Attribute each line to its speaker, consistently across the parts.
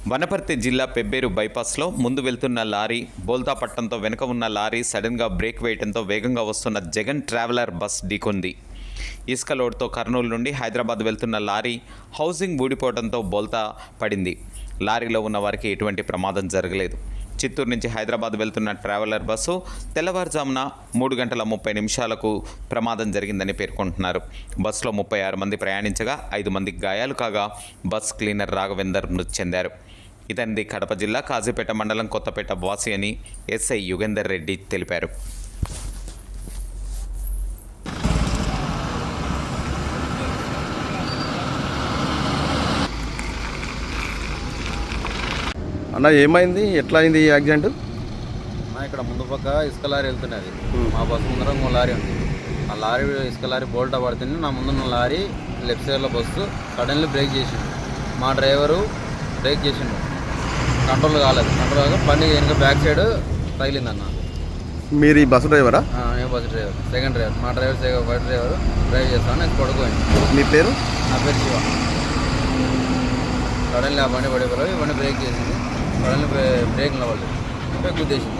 Speaker 1: వనపర్తి జిల్లా పెబ్బేరు బైపాస్లో ముందు వెళ్తున్న లారీ బోల్తా పట్టడంతో వెనుక ఉన్న లారీ సడన్గా బ్రేక్ వేయడంతో వేగంగా వస్తున్న జగన్ ట్రావెలర్ బస్ ఢీకొంది. ఇసుక లోడ్తో కర్నూలు నుండి హైదరాబాద్ వెళ్తున్న లారీ హౌసింగ్ ఊడిపోవడంతో బోల్తా పడింది. లారీలో ఉన్న వారికి ఎటువంటి ప్రమాదం జరగలేదు. చిత్తూరు నుంచి హైదరాబాద్ వెళ్తున్న ట్రావెలర్ బస్సు తెల్లవారుజామున 3:30 ప్రమాదం జరిగిందని పేర్కొంటున్నారు. బస్సులో 36 మంది ప్రయాణించగా 5 మందికి గాయాలు కాగా బస్ క్లీనర్ రాఘవేందర్ మృతి చెందారు. ఇతనిది కడప జిల్లా కాజీపేట మండలం కొత్తపేట వాసి అని ఎస్ఐ యుగేందర్ రెడ్డి తెలిపారు.
Speaker 2: అన్న ఏమైంది, ఎట్లా అయింది ఈ యాక్సిడెంట్?
Speaker 3: ఇక్కడ ముందు పక్క ఇసుక లారీ వెళ్తున్నది. మా బస్సు ముందర ఇంకో లారీ ఉంది. ఆ లారీ ఇసుక లారీ బోల్టా పడుతుంది. నా ముందున్న లారీ లెఫ్ట్ సైడ్లో బస్సు సడన్లీ బ్రేక్ చేసిండు. మా డ్రైవరు బ్రేక్ చేసిండు, కంట్రోల్ కాలేదు. కంట్రోల్ కాక బండి వెనుక బ్యాక్ సైడ్ తగిలిందన్న.
Speaker 2: మీరు ఈ బస్సు డ్రైవరా?
Speaker 3: నేను బస్సు డ్రైవర్, సెకండ్ డ్రైవర్. మా డ్రైవర్ ఫస్ట్ డ్రైవర్ డ్రైవ్ చేస్తాను. నేను పడుకోండి.
Speaker 2: మీ పేరు?
Speaker 3: నా పేరు శివ. సడన్లీ ఆ బండి పడిపోయి ఈ బండి బ్రేక్ చేసింది. సడన్లీ బ్రేక్ నిలబడలేదు, గుద్దేసింది.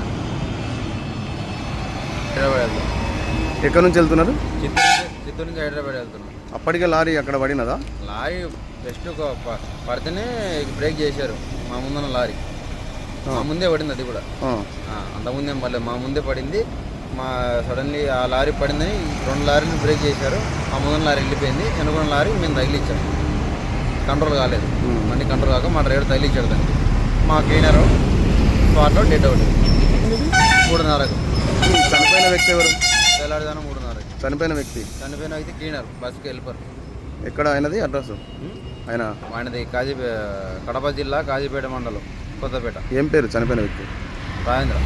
Speaker 3: హైదరాబాద్ వెళ్తాం.
Speaker 2: ఎక్కడి నుంచి వెళ్తున్నారు?
Speaker 3: చిత్తూరు నుంచి హైదరాబాద్ వెళ్తున్నాం.
Speaker 2: అప్పటికే లారీ అక్కడ పడినదా?
Speaker 3: లారీ జస్ట్ పడితేనే బ్రేక్ చేశారు. మా ముందున్న లారీ మా ముందే పడింది. అది కూడా అంతకుముందే మళ్ళీ మా ముందే పడింది. మా సడన్లీ ఆ లారీ పడిందని 2 లారీలు బ్రేక్ చేశారు. మా ముందున్న లారీ వెళ్ళిపోయింది. వెనుకున్న లారీ మేము తగిలిచ్చాం. కంట్రోల్ కాలేదు. మళ్ళీ కంట్రోల్ కాక మా డ్రైవర్ తగిలిచ్చాడు దానికి. మా క్లీనరు స్పాట్లో డెడ్ అవుట్. 3:30.
Speaker 2: చనిపోయిన వ్యక్తి ఎవరు?
Speaker 3: తెల్లారిదానం 3:30.
Speaker 2: చనిపోయిన వ్యక్తి
Speaker 3: క్లీనర్, బస్సుకి వెళ్ళిపోరు.
Speaker 2: ఎక్కడ ఆయనది అడ్రస్?
Speaker 3: ఆయనది కడప జిల్లా కాజీపేట మండలం కొత్తపేట.
Speaker 2: ఏం పేరు చనిపోయిన వ్యక్తి?
Speaker 3: రాజేంద్ర.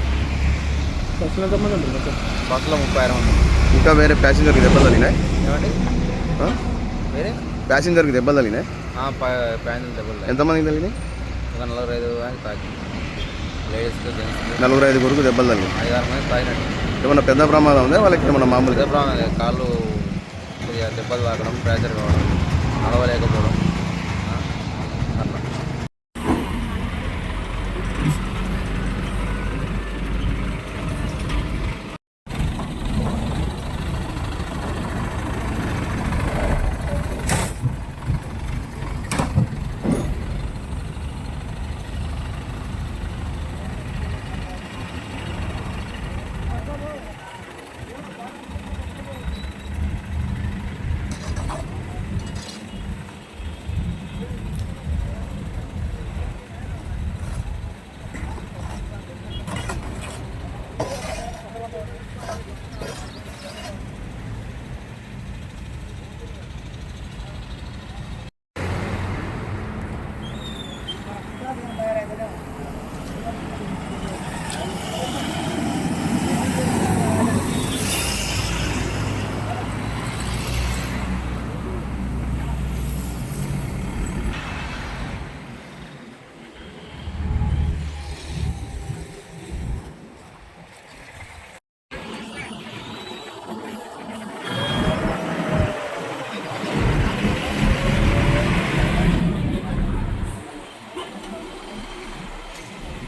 Speaker 3: బస్సులో 36 మంది.
Speaker 2: ఇంకా వేరే ప్యాసింజర్కి దెబ్బలు తగిలినాయి?
Speaker 3: ఏమండి వేరే
Speaker 2: ప్యాసింజర్కి దెబ్బలు తగిలినాయి?
Speaker 3: ప్యాంజల్ దెబ్బలు.
Speaker 2: ఎంతమందికి తగిలినాయి?
Speaker 3: 45 తాకి లేడీస్కి, జెంట్స్కి
Speaker 2: 45 దెబ్బలు తగిలినాయి.
Speaker 3: 5-6 మంది తాగినట్టు.
Speaker 2: ఏమన్నా పెద్ద ప్రమాదం ఉందా వాళ్ళకి? ఏమన్నా మామూలు
Speaker 3: పెద్ద ప్రమాదం? కాళ్ళు కొద్దిగా దెబ్బలు తాకడం, ఫ్రాక్చర్ కావడం, నడవలేకపోవడం.